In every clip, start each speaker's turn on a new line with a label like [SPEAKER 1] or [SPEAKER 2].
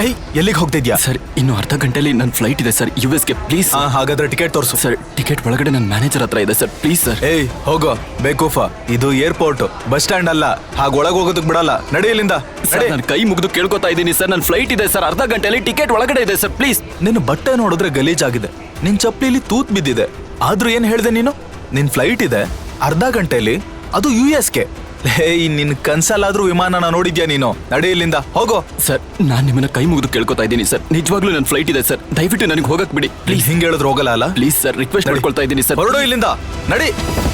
[SPEAKER 1] ಎಲ್ಲಿಗೆ ಹೋಗ್ತಿದ್ಯಾ?
[SPEAKER 2] ಸರ್ ಇನ್ನು ಅರ್ಧ ಗಂಟೆಲಿ ನನ್ನ ಫ್ಲೈಟ್ ಇದೆ ಸರ್ ಯುಎಸ್ಗೆ. ಪ್ಲೀಸ್.
[SPEAKER 1] ಹಾಗಾದ್ರೆ ಟಿಕೆಟ್ ತೋರಿಸು.
[SPEAKER 2] ಸರ್ ಟಿಕೆಟ್ ಒಳಗಡೆ ನನ್ನ ಮ್ಯಾನೇಜರ್ ಹತ್ರ ಇದೆ ಸರ್. Please sir.
[SPEAKER 1] ಹೋಗೋ ಬೇಕೂಫ. ಇದು ಏರ್ಪೋರ್ಟ್, ಬಸ್ ಸ್ಟ್ಯಾಂಡ್ ಅಲ್ಲ. ಹಾಗೆ ಒಳಗೆ ಹೋಗೋದಕ್ಕೆ ಬಿಡಲ್ಲ. ನಡಿ ಇಲ್ಲಿಂದ.
[SPEAKER 2] ನಾನು ಕೈ ಮುಗಿದು ಕೇಳ್ಕೊತಾ ಇದ್ದೀನಿ ಸರ್. ನನ್ನ ಫ್ಲೈಟ್ ಇದೆ ಸರ್, ಅರ್ಧ ಗಂಟೆಲಿ ಟಿಕೆಟ್ ಒಳಗಡೆ ಇದೆ ಸರ್. ಪ್ಲೀಸ್.
[SPEAKER 1] ನಿನ್ನ ಬಟ್ಟೆ ನೋಡಿದ್ರೆ ಗಲೀಜಾಗಿದೆ, ನಿನ್ ಚಪ್ಪಲಿಲಿ ತೂತ್ ಬಿದ್ದಿದೆ. ಆದ್ರೂ ಏನ್ ಹೇಳ್ದೆ ನೀನು? ನಿನ್ ಫ್ಲೈಟ್ ಇದೆ ಅರ್ಧ ಗಂಟೆಲಿ, ಅದು ಯುಎಸ್ಗೆ. ನಿನ್ ಕನ್ಸಲ್ಲಾದ್ರೂ ವಿಮಾನನ ನೋಡಿದ್ಯಾ ನೀನು? ನಡಿ ಇಲ್ಲಿಂದ ಹೋಗೋ.
[SPEAKER 2] ಸರ್ ನಾನ್ ನಿಮ್ಮನ್ನ ಕೈ ಮುಗಿದು ಕೇಳ್ಕೊತಾ ಇದ್ದೀನಿ ಸರ್, ನಿಜವಾಗ್ಲೂ ನನ್ನ ಫ್ಲೈಟ್ ಇದೆ ಸರ್, ದಯವಿಟ್ಟು ನನಗೆ ಹೋಗಕ್ ಬಿಡಿ ಪ್ಲೀಸ್.
[SPEAKER 1] ಹಿಂಗೆ ಹೇಳಿದ್ರೆ ಹೋಗಲ್ಲ ಅಲ್ಲ?
[SPEAKER 2] ಪ್ಲೀಸ್ ಸರ್, ರಿಕ್ವೆಸ್ಟ್ ಮಾಡ್ಕೊಳ್ತಾ ಇದ್ದೀನಿ ಸರ್.
[SPEAKER 1] ಹೊರಡು ಇಲ್ಲಿಂದ, ನಡಿ.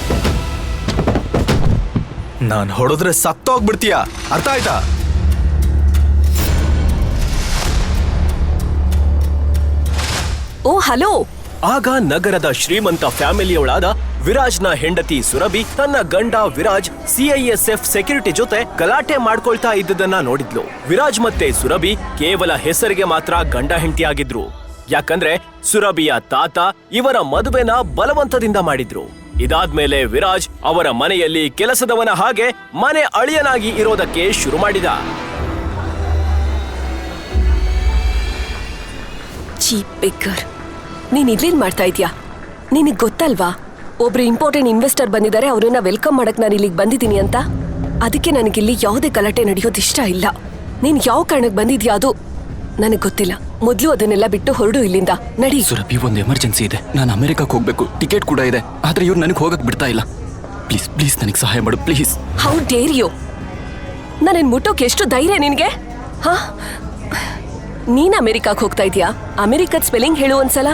[SPEAKER 1] ನಾನ್ ಹೊಡೆದ್ರೆ ಸತ್ತೋಗ್ಬಿಡ್ತೀಯಾ, ಅರ್ಥ ಆಯ್ತಾ?
[SPEAKER 3] Oh hello.
[SPEAKER 4] ಆಗ ನಗರದ ಶ್ರೀಮಂತ ಫ್ಯಾಮಿಲಿಯೊಳಾದ ವಿರಾಜ್ನ ಹೆಂಡತಿ ಸುರಭಿ ತನ್ನ ಗಂಡ ವಿರಾಜ್ ಸಿಐಎಸ್ಎಫ್ ಸೆಕ್ಯೂರಿಟಿ ಜೊತೆ ಗಲಾಟೆ ಮಾಡ್ಕೊಳ್ತಾ ಇದ್ದದನ್ನ ನೋಡಿದ್ಲು. ವಿರಾಜ್ ಮತ್ತೆ ಸುರಭಿ ಕೇವಲ ಹೆಸರಿಗೆ ಮಾತ್ರ ಗಂಡ ಹೆಂಡತಿಯಾಗಿದ್ರು. ಯಾಕಂದ್ರೆ ಸುರಭಿಯ ತಾತ ಇವರ ಮದುವೆನ ಬಲವಂತದಿಂದ ಮಾಡಿದ್ರು. ಇದಾದ್ಮೇಲೆ ವಿರಾಜ್ ಅವರ ಮನೆಯಲ್ಲಿ ಕೆಲಸದವನ ಹಾಗೆ ಮನೆ ಅಳಿಯನಾಗಿ ಇರೋದಕ್ಕೆ ಶುರು ಮಾಡಿದ.
[SPEAKER 3] ಚೀಪ್ ಬೇಕರ್, ನೀನ್ ಇಲ್ಲೇನ್ ಮಾಡ್ತಾ ಇದ್ಯಾ? ನಿನಗ್ ಗೊತ್ತಲ್ವಾ ಒಬ್ರು ಇಂಪಾರ್ಟೆಂಟ್ ಇನ್ವೆಸ್ಟರ್ ಬಂದಿದ್ದಾರೆ, ಅವ್ರನ್ನ ವೆಲ್ಕಮ್ ಮಾಡಕ್ ನಾನು ಇಲ್ಲಿಗೆ ಬಂದಿದ್ದೀನಿ ಅಂತ. ಅದಕ್ಕೆ ನನಗಿಲ್ಲಿ ಯಾವುದೇ ಗಲಾಟೆ ನಡೆಯೋದು ಇಷ್ಟ ಇಲ್ಲ. ನೀನ್ ಯಾವ ಕಾರಣಕ್ಕೆ ಬಂದಿದ್ಯಾ ಅದು ನನಗ್ ಗೊತ್ತಿಲ್ಲ. ಮೊದ್ಲು ಅದನ್ನೆಲ್ಲ ಬಿಟ್ಟು ಹೊರಡು ಇಲ್ಲಿಂದ, ನಡಿ.
[SPEAKER 2] ಸುರಭಿ, ಒಂದು ಎಮರ್ಜೆನ್ಸಿ ಇದೆ, ನಾನು ಅಮೆರಿಕಕ್ಕೆ ಹೋಗ್ಬೇಕು, ಟಿಕೆಟ್ ಕೂಡ ಇದೆ, ಆದ್ರೆ ಇವ್ರು ನನಗೆ ಹೋಗಕ್ ಬಿಡ್ತಾ ಇಲ್ಲ. ಪ್ಲೀಸ್ ಪ್ಲೀಸ್ ನನಗೆ ಸಹಾಯ ಮಾಡು ಪ್ಲೀಸ್.
[SPEAKER 3] How dare you? ನನ್ನ ಮುಟ್ಟೋಕೆ ಎಷ್ಟು ಧೈರ್ಯ ನಿನ್ಗೆ? ಹಾ, ನೀನ್ ಅಮೆರಿಕಕ್ಕೆ ಹೋಗ್ತಾ ಇದೀಯಾ? ಅಮೆರಿಕದ ಸ್ಪೆಲ್ಲಿಂಗ್ ಹೇಳು ಒಂದ್ಸಲ.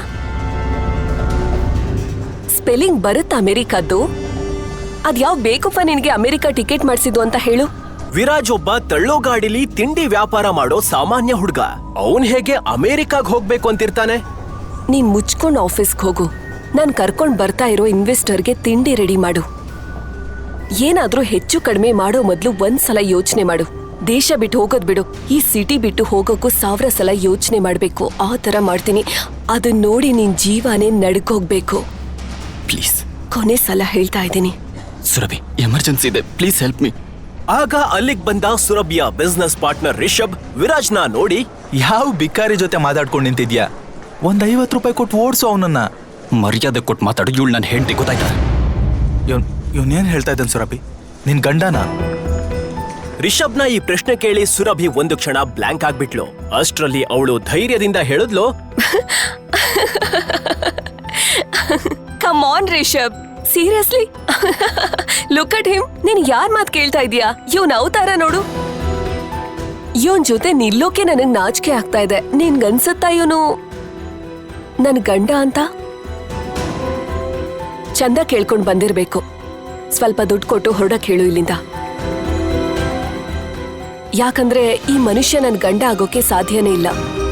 [SPEAKER 3] ಸ್ಪೆಲ್ಲಿಂಗ್ ಬರುತ್ತಾ ಅಮೆರಿಕದ್ದು? ಅದ್ಯಾವ್ ಬೇಕಪ್ಪ ನಿನ್ಗೆ ಅಮೆರಿಕ ಟಿಕೆಟ್ ಮಾಡಿಸಿದ್ದು ಅಂತ ಹೇಳು.
[SPEAKER 4] ವಿರಾಜ್ ಒಬ್ಬ ತಳ್ಳೋ ಗಾಡಿಲಿ ತಿಂಡಿ ವ್ಯಾಪಾರ ಮಾಡೋ ಸಾಮಾನ್ಯ ಹುಡುಗ. ಅವನ್ ಹೇಗೆ ಅಮೆರಿಕಾಗ್ ಹೋಗ್ಬೇಕು ಅಂತಿರ್ತಾನೆ?
[SPEAKER 3] ನೀನ್ ಮುಚ್ಕೊಂಡ್ ಆಫೀಸ್ಗೆ ಹೋಗು. ನಾನ್ ಕರ್ಕೊಂಡ್ ಬರ್ತಾ ಇರೋ ಇನ್ವೆಸ್ಟರ್ಗೆ ತಿಂಡಿ ರೆಡಿ ಮಾಡು. ಏನಾದ್ರೂ ಹೆಚ್ಚು ಕಡಿಮೆ ಮಾಡೋ ಮೊದ್ಲು ಒಂದ್ಸಲ ಯೋಚನೆ ಮಾಡು. ದೇಶ ಬಿಟ್ಟು ಹೋಗೋದ್ ಬಿಡು, ಈ ಸಿಟಿ ಬಿಟ್ಟು ಹೋಗೋಕ್ಕೂ 1000 ಸಲ ಯೋಚನೆ ಮಾಡ್ಬೇಕು. ಆ ತರ ಮಾಡ್ತೀನಿ. ಅದನ್ನ ನೋಡಿ ನಿನ್ ಜೀವನೇ ನಡ್ಕೋಗ್ಬೇಕು.
[SPEAKER 2] ಪ್ಲೀಸ್
[SPEAKER 3] ಕೊನೆ ಸಲ ಹೇಳ್ತಾ ಇದ್ದೀನಿ.
[SPEAKER 2] ಸುರಭಿ, ಎಮರ್ಜೆನ್ಸಿ ಇದೆ, ಪ್ಲೀಸ್ ಹೆಲ್ಪ್ ಮೀ.
[SPEAKER 4] ಆಗ ಅಲ್ಲಿಗ್ ಬಂದ ಸುರಭಿಯ ಬಿಸ್ನೆಸ್ ಪಾರ್ಟ್ನರ್ ರಿಷಬ್ ವಿರಾಜ್ನ ನೋಡಿ,
[SPEAKER 1] ಯಾವ ಬಿಕಾರಿ ಜೊತೆ ಮಾತಾಡ್ಕೊಂಡು ನಿಂತಿದ್ಯಾ? ಒಂದ್ 50 ರೂಪಾಯಿ ಕೊಟ್ಟು ಓಡಿಸು ಅವನನ್ನ.
[SPEAKER 2] ಮರ್ಯಾದೆ ಕೊಟ್ಟು ಮಾತಾಡು. ಇವಳು ನನ್ನ ಹೆಂಡತಿ, ಗೊತ್ತಾಯ್ತಾ?
[SPEAKER 1] ಇವನೇನ್ ಹೇಳ್ತಾ ಇದ್ದಾನೆ ಸುರಭಿ? ನಿನ್ ಗಂಡನ?
[SPEAKER 4] ರಿಷಬ್ನ ಈ ಪ್ರಶ್ನೆ ಕೇಳಿ ಸುರಭಿ ಒಂದು ಕ್ಷಣ ಬ್ಲಾಂಕ್ ಆಗ್ಬಿಟ್ಲು. ಅಷ್ಟ್ರಲ್ಲಿ ಅವಳು ಧೈರ್ಯದಿಂದ ಹೇಳಿದ್ಲು,
[SPEAKER 3] come on Rishab, seriously look at him. ನೀನ್ ಯಾರ್ ಮಾತ್ ಕೇಳ್ತಾ ಇದೀಯಾ? ಇವನ್ ಅವತಾರ ನೋಡು. ಇವನ್ ಜೊತೆ ನಿಲ್ಲೋಕೆ ನನಗ್ ನಾಚಿಕೆ ಆಗ್ತಾ ಇದೆ. ನಿನ್ಗನ್ಸುತ್ತಾ ಇವನು ನನ್ ಗಂಡ ಅಂತ? ಚಂದ ಕೇಳ್ಕೊಂಡ್ ಬಂದಿರ್ಬೇಕು. ಸ್ವಲ್ಪ ದುಡ್ಡು ಕೊಟ್ಟು ಹೊರಡಕ್ ಹೇಳು ಇಲ್ಲಿಂದ. ಯಾಕಂದ್ರೆ ಈ ಮನುಷ್ಯ ನನ್ ಗಂಡ ಆಗೋಕೆ ಸಾಧ್ಯನೇ ಇಲ್ಲ.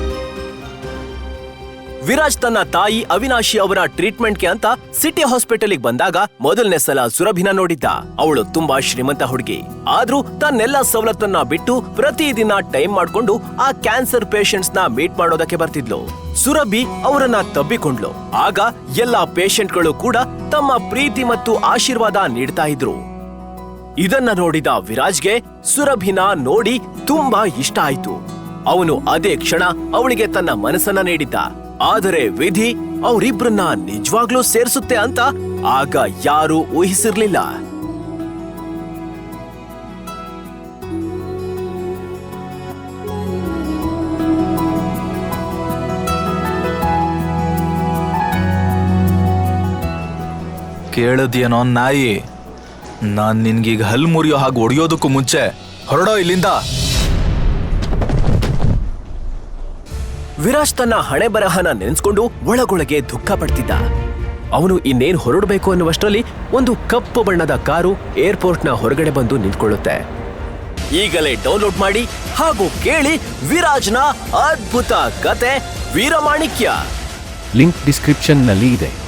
[SPEAKER 4] ವಿರಾಜ್ ತನ್ನ ತಾಯಿ ಅವಿನಾಶಿ ಅವರ ಟ್ರೀಟ್ಮೆಂಟ್ಗೆ ಅಂತ ಸಿಟಿ ಹಾಸ್ಪಿಟಲ್ಗೆ ಬಂದಾಗ ಮೊದಲನೇ ಸಲ ಸುರಭಿನ ನೋಡಿದ್ದ. ಅವಳು ತುಂಬಾ ಶ್ರೀಮಂತ ಹುಡುಗಿ. ಆದ್ರೂ ತನ್ನೆಲ್ಲ ಸವಲತ್ತನ್ನ ಬಿಟ್ಟು ಪ್ರತಿದಿನ ಟೈಮ್ ಮಾಡ್ಕೊಂಡು ಆ ಕ್ಯಾನ್ಸರ್ ಪೇಷಂಟ್ಸ್ ನ ಮೀಟ್ ಮಾಡೋದಕ್ಕೆ ಬರ್ತಿದ್ಲು. ಸುರಭಿ ಅವರನ್ನ ತಬ್ಬಿಕೊಂಡ್ಲು. ಆಗ ಎಲ್ಲಾ ಪೇಷಂಟ್ಗಳು ಕೂಡ ತಮ್ಮ ಪ್ರೀತಿ ಮತ್ತು ಆಶೀರ್ವಾದ ನೀಡ್ತಾ ಇದ್ರು. ಇದನ್ನ ನೋಡಿದ ವಿರಾಜ್ಗೆ ಸುರಭಿನ ನೋಡಿ ತುಂಬಾ ಇಷ್ಟ ಆಯ್ತು. ಅವನು ಅದೇ ಕ್ಷಣ ಅವಳಿಗೆ ತನ್ನ ಮನಸ್ಸನ್ನ ನೀಡಿದ್ದ. ಆದರೆ ವಿಧಿ ಅವರಿಬ್ರನ್ನ ನಿಜವಾಗ್ಲೂ ಸೇರಿಸುತ್ತೆ ಅಂತ ಆಗ ಯಾರೂ ಊಹಿಸಿರ್ಲಿಲ್ಲ.
[SPEAKER 1] ಕೇಳದ್ಯೇನೋ ನಾಯಿ? ನಾನ್ ನಿನ್ಗೀಗ ಹಲ್ ಮುರಿಯೋ ಹಾಗೆ ಹೊಡೆಯೋದಕ್ಕೂ ಮುಂಚೆ ಹೊರಡೋ ಇಲ್ಲಿಂದ.
[SPEAKER 4] ವಿರಾಜ್ ತನ್ನ ಹಣೆ ಬರಹನ ನೆನೆಸ್ಕೊಂಡು ಒಳಗೊಳಗೆ ದುಃಖ ಪಡ್ತಿದ್ದ. ಅವನು ಇನ್ನೇನ್ ಹೊರಡಬೇಕು ಅನ್ನುವಷ್ಟರಲ್ಲಿ ಒಂದು ಕಪ್ಪು ಬಣ್ಣದ ಕಾರು ಏರ್ಪೋರ್ಟ್ನ ಹೊರಗಡೆ ಬಂದು ನಿಂತ್ಕೊಳ್ಳುತ್ತೆ. ಈಗಲೇ ಡೌನ್ಲೋಡ್ ಮಾಡಿ ಹಾಗೂ ಕೇಳಿ ವಿರಾಜ್ನ ಅದ್ಭುತ ಕತೆ ವೀರಮಾಣಿಕ್ಯ.
[SPEAKER 5] ಲಿಂಕ್ ಡಿಸ್ಕ್ರಿಪ್ಷನ್ನಲ್ಲಿ ಇದೆ.